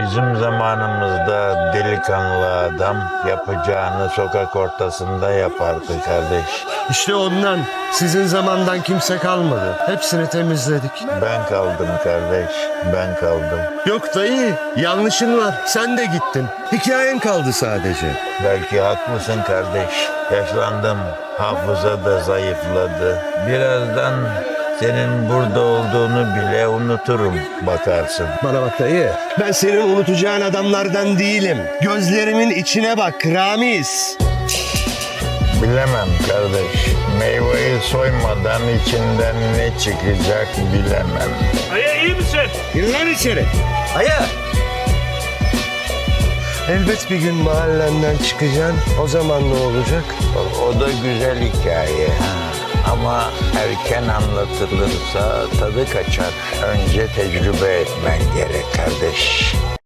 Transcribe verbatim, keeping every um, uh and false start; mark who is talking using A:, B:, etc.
A: Bizim zamanımızda delikanlı adam yapacağını sokak ortasında yapardı kardeş.
B: İşte ondan sizin zamandan kimse kalmadı. Hepsini temizledik.
A: Ben kaldım kardeş, ben kaldım.
B: Yok dayı, yanlışın var. Sen de gittin. Hikayen kaldı sadece.
A: Belki haklısın kardeş. Yaşlandım, hafıza da zayıfladı. Birazdan senin burada olduğunu bile unuturum bakarsın.
B: Bana bak dayı, ben senin unutacağın adamlardan değilim. Gözlerimin içine bak Ramiz.
A: Bilemem kardeş. Meyveyi soymadan içinden ne çıkacak bilemem.
C: Aya iyi misin?
B: Gir lan içeri. Aya. Elbet bir gün mahallenden çıkacaksın. O zaman ne olacak?
A: O, o da güzel hikaye. Ama erken anlatılırsa tadı kaçar. Önce tecrübe etmen gerek kardeş.